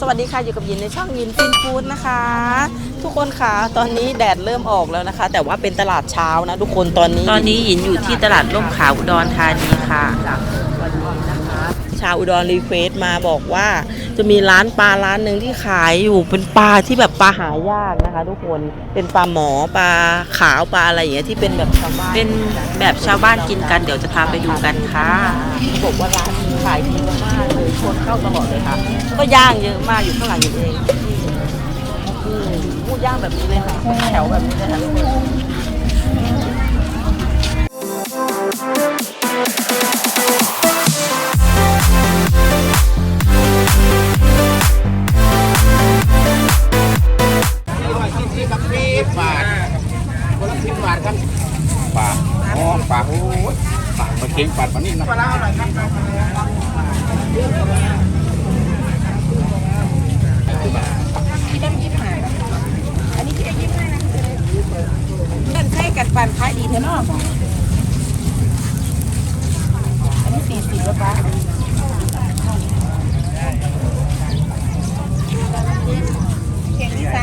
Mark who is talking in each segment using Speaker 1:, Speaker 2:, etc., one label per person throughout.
Speaker 1: สวัสดีค่ะอยู่กับยินในช่องยินฟินฟู้ดนะคะทุกคนค่ะตอนนี้แดดเริ่มออกแล้วนะคะ แต่ว่าเป็นตลาดเช้านะทุกคนตอนนี้ยินอยู่ที่ตลาดร่มขาวอุดรธานีค่ะชาวอุดรรีเควสมาบอกว่าจะมีร้านปลาร้านหนึ่งที่ขายอยู่เป็นปลาที่แบบปลาหายากนะคะ ทุกคนเป็นปลาหมอปลาขาวปลาอะไรอย่างเงี้ยที่เป็นแบบชาวบ้านเป็นแบบชาวบ้านกินกันเดี๋ยวจะพาไปดูกันค่ะบอกว่าร้านนี้ขายดีมากเลยคนเข้าตลอดเลยค่ะก็ย่างเยอะมากอยู่ข้างหลังอยู่เองพูดย่างแบบนี้เลยค่ะแถวแบบนี้เลยค่ะ
Speaker 2: 10 บาทครับปลาอ๋อปลาโอ้ยปลามาเก่งปลานี่นะปลาอะไรครับ
Speaker 3: อันนี้ที่ได้ยิ้มให้นะเล่นใช้กันปันขายดีเถอะเนาะอันนี้40แล้วปะเข่งที่30 40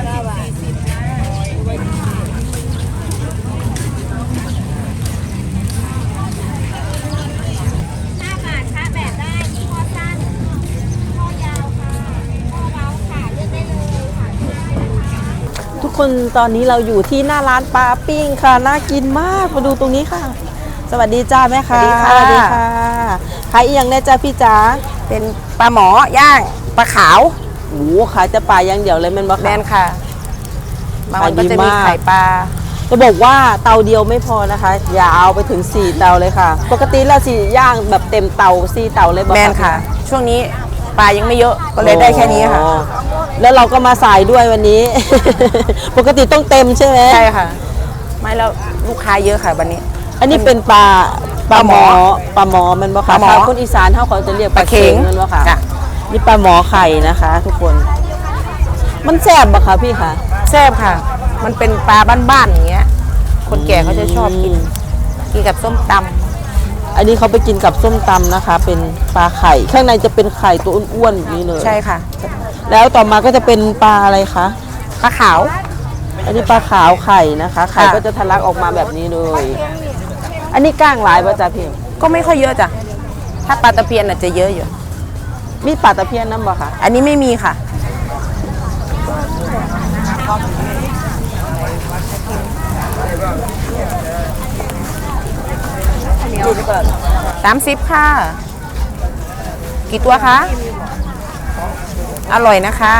Speaker 1: ทุกคนตอนนี้เราอยู่ที่หน้าร้านปลาปิ้งค่ะน่ากินมากมาดูตรงนี้ค่ะสวัสดีจ้าแม่ค่ะสวัสดีค่ะขายอีกอย่างแน่จ้าพี่จ๋า
Speaker 3: เป็นปลาหมอย่างปลาขาว
Speaker 1: โอ้ขายจะปลาอย่างเดียวเลยมันบ่ค่ะ
Speaker 3: แมนค่ะบางวันก็จะมีไข่ปลา
Speaker 1: จะบอกว่าเตาเดียวไม่พอนะคะอย่าเอาไปถึง4เตาเลยค่ะปกติแล้ว4ย่างแบบเต็มเตา4เตาเลยบ่
Speaker 3: แมนค่ะช่วงนี้ปลายังไม่เยอะก็เลยได้แค่นี้ค่ะ
Speaker 1: แล้วเราก็มาสายด้วยวันนี้ ปกติต้องเต็มใช่ไหม
Speaker 3: ใช่ค่ะไม่แล้วลูกค้าเยอะค่ะวันนี้
Speaker 1: อันนี้เป็นปลาหมอมันบ่ค่ะคนอีสานเขาจะเรียกปลาเค็งมันบ่ค่ะนี่ปลาหมอไข่นะคะทุกคนมันแซ่บบ่คะพี่คะ
Speaker 3: แซ่บค่ะมันเป็นปลาบ้านๆอย่างเงี้ยคนแก่เขาจะชอบกินกับส้มตำ
Speaker 1: อันนี้เขาไปกินกับส้มตำนะคะเป็นปลาไข่ข้างในจะเป็นไข่ตัวอ้วนๆแบบนี้เลย
Speaker 3: ใช่ค่ะ
Speaker 1: แล้วต่อมาก็จะเป็นปลาอะไรคะ
Speaker 3: ปลาขาว
Speaker 1: อันนี้ปลาขาวไข่นะคะไข่ก็จะทะลักออกมาแบบนี้เลยอันนี้ก้างหลายป่ะจ๊ะพี่
Speaker 3: ก็ไม่ค่อยเยอะจ้ะถ้าปลาตะเพียนอาจจะเยอะอยู่
Speaker 1: มีปลาตะเพียนน้ำบ่คะ
Speaker 3: อันนี้ไม่มีค่ะ30ค่ะกี่ตัวคะอร่อยนะคะ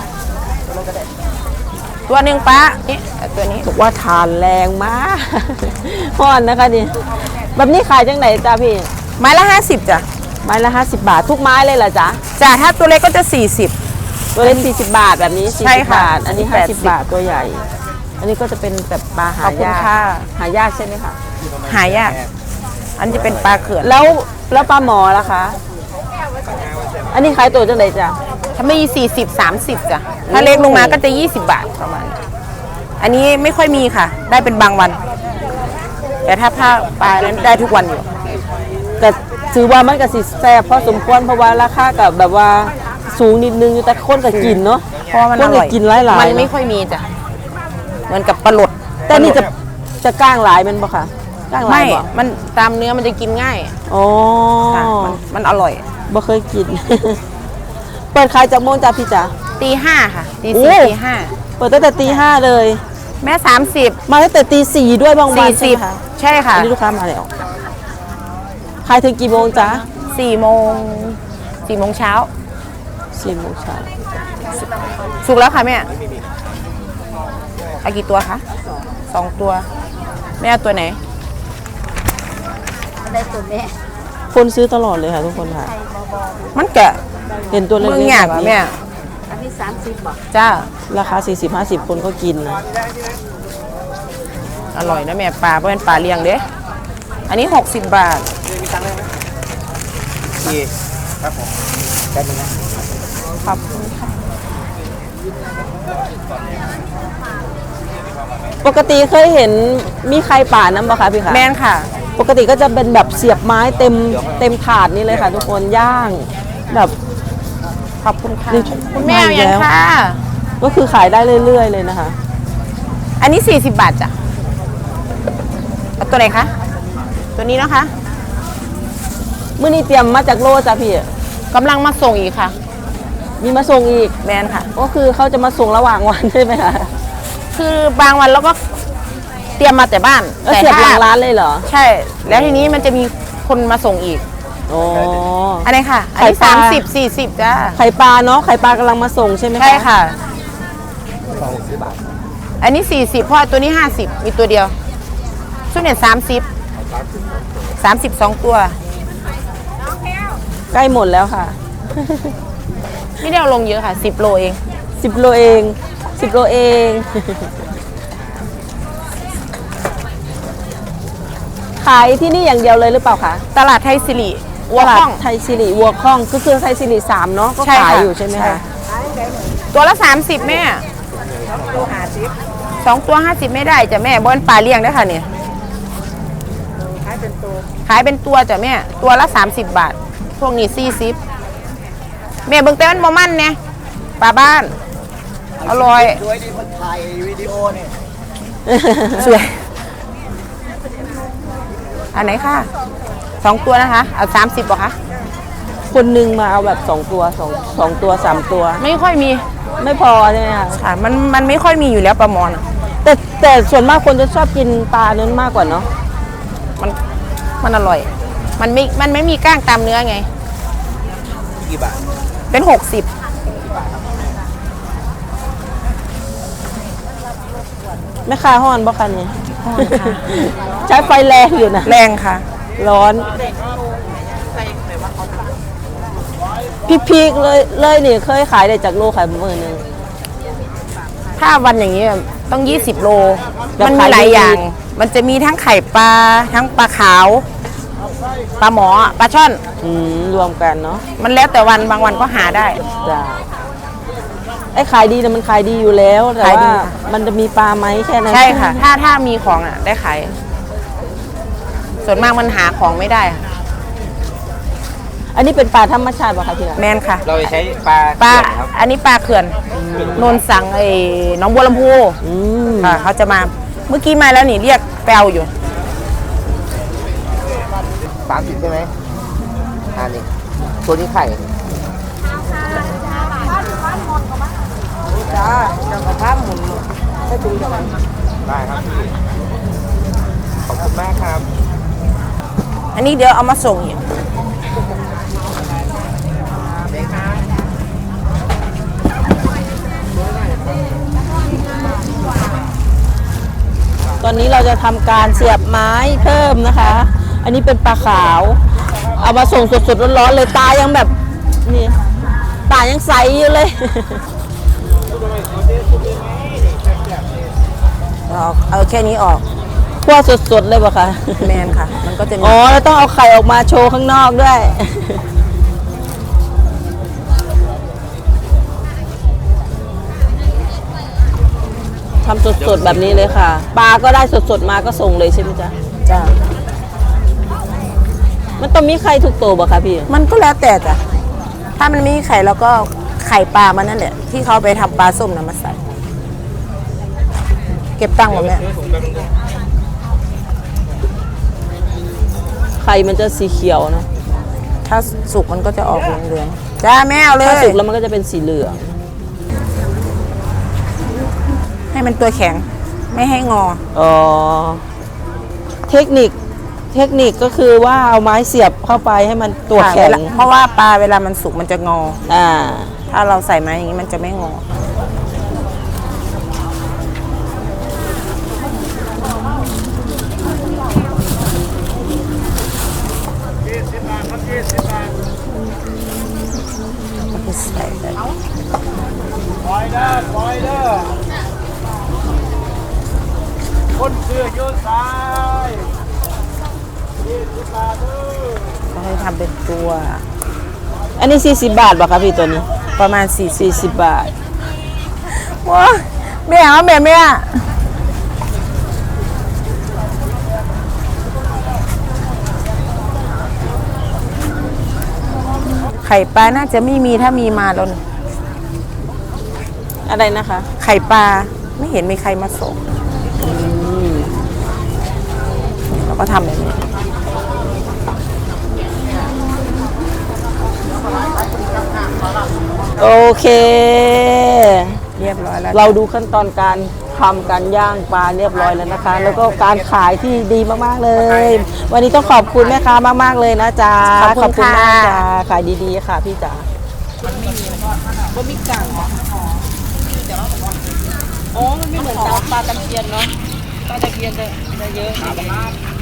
Speaker 3: ตัวหนึ่งปะนี่ตัวนี้
Speaker 1: บอกว่าทานแรงมากพอนนะคะนี่แบบนี้ขายจังไหนจ้าพี่
Speaker 3: ไม้ละ50จ้ะ
Speaker 1: ไม้ละ50 บาททุกไม้เลยเหรอจ๊ะ
Speaker 3: จ้ะถ้าตัวเล็กก็จะ40
Speaker 1: ตัวเล็ก40 บาทแบบนี้40 บาทอันนี้50 บาทตัวใหญ่อันนี้ก็จะเป็นแบบปลาหายากหายากใช่ไหมคะ
Speaker 3: หายากอันจะเป็นปลาเขื่อน
Speaker 1: แล้วปลาหมอล่ะคะอันนี้ขายตัวจังไหนจ้ะ
Speaker 3: ถ้าไม่40-30จ้ะถ้าเล็กลงมาก็จะ20 บาทประมาณอันนี้ไม่ค่อยมีค่ะได้เป็นบางวันแต่ถ้าปลานั้นได้ทุกวันอยู่
Speaker 1: แต่ถือว่ามันก็สิแซ่บพอสมควรเพราะว่าราคากับแบบว่าสูงนิดนึงแต่คนก็กินเนาะ
Speaker 3: เพราะมันอร่อย
Speaker 1: กินหลายๆ
Speaker 3: มันไม่ค่อยมีจ้ะเหมือนกับปลาหลด
Speaker 1: แต่นี่จะก้างหลายมันบ่คะก้างหลายบ่
Speaker 3: มันตามเนื้อมันจะกินง่าย
Speaker 1: อ๋อ
Speaker 3: มันอร่อย
Speaker 1: บ่เคยกินเปิดขายจากโมงจ้าพี่จ๋า
Speaker 3: ตี 5ค่ะตี 4 ตี 5
Speaker 1: เปิดตั้งแต่ตี 5เลย
Speaker 3: แม่30
Speaker 1: มาตั้งแต่ตี 4ด้วยบางวัน
Speaker 3: ใช่ค่ะ
Speaker 1: นี่ลูกค้ามาแล้วขายถึงกี่โมงจ๊ะ
Speaker 3: 4 โมงเช้า
Speaker 1: 4 โมงเช้า
Speaker 3: สุกแล้วค่ะแม่เอากี่ตัวคะ2 ตัวแม่เอาตัวไหน
Speaker 4: ได้ตัวแม่
Speaker 1: คนซื้อตลอดเลยค่ะทุกคนค่ะ
Speaker 3: มันแกะ
Speaker 1: เห็นตัวเล็กๆ
Speaker 3: แบบนี้
Speaker 4: อันนี้30 บาท
Speaker 3: จ้า
Speaker 1: ราคา40-50คนก็กินนะ
Speaker 3: อร่อยนะแม่ปลาเพราะเป็นปลาเลี้ยงเด้อันนี้60 บาท
Speaker 2: ครับผมได้ไหมนะ
Speaker 3: ขอบคุณค่ะ
Speaker 1: ปกติเคยเห็นมีใครป่าน้ำบ่คะพี่คะ
Speaker 3: แม่นค่ะ
Speaker 1: ปกติก็จะเป็นแบบเสียบไม้เต็มถาดนี่เลยค่ะทุกคนย่างแบบ
Speaker 3: ขอบคุณค่ะ
Speaker 1: นี่
Speaker 3: คุณแม่
Speaker 1: มาอีก
Speaker 3: ยัง
Speaker 1: แล้ว
Speaker 3: ค่ะ
Speaker 1: ก็คือขายได้เรื่อยๆเลยนะคะ
Speaker 3: อันนี้40 บาทจ้ะเอาตัวไหนคะ ตัวนี้นะคะ
Speaker 1: มื้อนี้เตรียมมาจากโลจ้ะพี่
Speaker 3: กำลังมาส่งอีกค่ะ
Speaker 1: มีมาส่งอีก
Speaker 3: แมนค่ะ
Speaker 1: ก็คือเขาจะมาส่งระหว่างวันใช่ไหมคะ
Speaker 3: คือบางวันเราก็เตรียมมาแต่บ้าน
Speaker 1: แล้วเสียบหลังร้านเลยเหรอ
Speaker 3: ใช่ แล้วทีนี้มันจะมีคนมาส่งอีก
Speaker 1: อ๋อ
Speaker 3: อันนี้ค่ะ อันนี้
Speaker 1: ไข่ปลา
Speaker 3: 30 40จ้า
Speaker 1: ไข่ปลาเนาะ ไข่ปลากำลังมาส่งใช่ไหมคะ
Speaker 3: ใช่ค่ะ อันนี้40เพราะตัวนี้50มีตัวเดียวชุดเนี่ย32 ตัว
Speaker 1: ใกล้หมดแล้วค่ะ
Speaker 3: ไม่ได้เอาลงเยอะค่ะ10 โลเอง
Speaker 1: 10 โลเอง 10 โลเอง ขายที่นี่อย่างเดียวเลยหรือเปล่าคะ
Speaker 3: ตลาดไทยสิริวัว
Speaker 1: ตลาด
Speaker 3: ข้อง
Speaker 1: ไทยสิริวัวข้องก็คือไทยสิริ3เนาะก็
Speaker 3: ใช่
Speaker 1: ขาย
Speaker 3: ค่ะ
Speaker 1: อยู่ใช่ไหม
Speaker 3: ใช่
Speaker 1: คะ
Speaker 3: ตัวละ30แม่2 ตัว50ไม่ได้จ้ะแม่บนปลาเลี้ยงได้อค่ะเนี่ยขายเป็นตัวจ้ะแม่ตัวละ30 บาท พวกนี้40แม่เบิ่งแต่มันบ่มันเนี่ยปลาบ้านอร่อย
Speaker 5: สวยดีคนถ่ายวิดีโอเนี่ย
Speaker 3: สวยอันไหนค่ะ2 ตัวนะคะเอา30บ่คะ
Speaker 1: คนหนึงมาเอาแบบ2 ตัว2 ตัว 3 ตัว
Speaker 3: ไม่ค่อยมี
Speaker 1: ไม่พอใช่ไหมคะ
Speaker 3: ค่ะมันไม่ค่อยมีอยู่แล้วปลาหมอนอะ
Speaker 1: แต่ส่วนมากคนจะชอบกินปลาเนื้อมากกว่าเนาะ
Speaker 3: มันอร่อย มันไม่มีก้างตามเนื้อไง
Speaker 5: กี่บาท
Speaker 3: เป็น60
Speaker 1: แม่ค้าห้อนบ่คะเนี่ยใช้ไฟแรงอยู่นะ
Speaker 3: แรงค่ะ
Speaker 1: ร้อนพีกๆเลยนี่เคยขายได้จากโลขายมื้อนึง
Speaker 3: ถ้าวันอย่างนี้ต้อง20 โล
Speaker 1: แบบ
Speaker 3: มันมีหลาย
Speaker 1: ขายดี
Speaker 3: อย่าง มันจะมีทั้งไข่ปลา ทั้งปลาขาว ปลาหมอ ปลาช่อน
Speaker 1: รวมกันเนาะ
Speaker 3: มันแล้วแต่วันบางวันก็หาได้
Speaker 1: จ้ะไอ้ขายดีนะมันขายดีอยู่แล้วแต่
Speaker 3: ขายดี
Speaker 1: ว่า
Speaker 3: ค่ะ
Speaker 1: มันจะมีปลาไหมแค่นั้น
Speaker 3: ใช่ค่ะ ถ้ามีของอ่ะได้ขาย ส่วนมากมันหาของไม่ได้ค่ะ
Speaker 1: อันนี้เป็นปลาธรรมชาติป่ะคะพี่
Speaker 3: แมนค่ะ
Speaker 5: เราจะใช้ปลา
Speaker 3: ปลา
Speaker 5: เขื่อนครับ
Speaker 3: อันนี้ปลาเขื่อนโนนสังไอ้หน้องบัวลำพู
Speaker 1: อืม
Speaker 3: ค่ะเขาจะมา เมื่อกี้มาแล้วนี่เรียกแปลวอยู่
Speaker 5: 30ใช่ไหมนี่ตัวนี้ไข่
Speaker 3: จ้าจังกระพับหมุนให้ดูจัง
Speaker 5: ได้ครับพี่ขอบคุณมากครับ
Speaker 3: อันนี้เดี๋ยวเอามาส่งอีก
Speaker 1: ตอนนี้เราจะทำการเสียบไม้เพิ่มนะคะ อันนี้เป็นปลาขาว เอามาส่งสดๆร้อนๆเลยตายังแบบนี่ตายังใสอยู่เลย
Speaker 3: เอาแค่นี้ออก
Speaker 1: คั่วสดๆเลยป่ะคะ
Speaker 3: แมนค่ะ มันก็จะมี
Speaker 1: อ๋อแล้วต้องเอาไข่ออกมาโชว์ข้างนอกด้วย ทำสดๆแบบนี้เลยค่ะ ปลาก็ได้สดๆมาก็ส่งเลยใช่ไหมจ๊ะ
Speaker 3: จ้า
Speaker 1: มันต้องมีไข่ทุกตัวป่ะคะพี่
Speaker 3: มันก็แล้วแต่จ้ะ ถ้ามันไม่มีไข่แล้วก็ไข่ปลามันนั่นแหละ ที่เขาไปทำปลาส้มนะมาใส่ เก็บตังค์หมดแม่
Speaker 1: ไข่มันจะสีเขียวเนอะ
Speaker 3: ถ้าสุกมันก็จะออกเหลืองๆจ้าแม่เอาเลย
Speaker 1: ถ้าสุกแล้วมันก็จะเป็นสีเหลือง
Speaker 3: ให้มันตัวแข็ง ไม่ให้งอ
Speaker 1: อ๋อ เทคนิคก็คือว่าเอาไม้เสียบเข้าไปให้มันตัว
Speaker 3: ค่ะ
Speaker 1: แข็ง
Speaker 3: เพราะว่าปลาเวลามันสุกมันจะงอ
Speaker 1: อ่า
Speaker 3: ถ้าเราใส่ไม้อย่างนี้มันจะไม่งอ ใส่ไป
Speaker 5: ปล่อยเด้อปล่อยเด้อคนเสื้อโยนซ้าย20 บาทเด้อ
Speaker 3: ก็ให้ทำเป็นตัว
Speaker 1: อันนี้40 บาทป่ะคะพี่ตัวนี้
Speaker 3: ประมาณ
Speaker 1: 40
Speaker 3: 40
Speaker 1: บาท
Speaker 3: ว้าแม่เอาแม่ไข่ปลาน่าจะไม่มีถ้ามีมาแล้วนะ
Speaker 1: อะไรนะคะ
Speaker 3: ไข่ปลาไม่เห็นมีใครมาส่งเราก็ทำแบบนี้
Speaker 1: โอเค
Speaker 3: เรียบร้อยแล้ว
Speaker 1: เราดูขั้นตอนการทำการย่างปลาเรียบร้อยแล้วนะคะ แล้วก็การขายที่ดีมากๆเลย วันนี้ต้องขอบคุณแม่ค้ามากๆเลยนะจ๊ะ
Speaker 3: ขอบคุณ
Speaker 1: มาก
Speaker 3: ค่ะ
Speaker 1: จ้าขายดีๆค่ะพี่จ๋าบะหมี่กังอ๋อมันไม่เหมือนปลาตะเพียนเนาะปลาตะเพียนจะเยอะ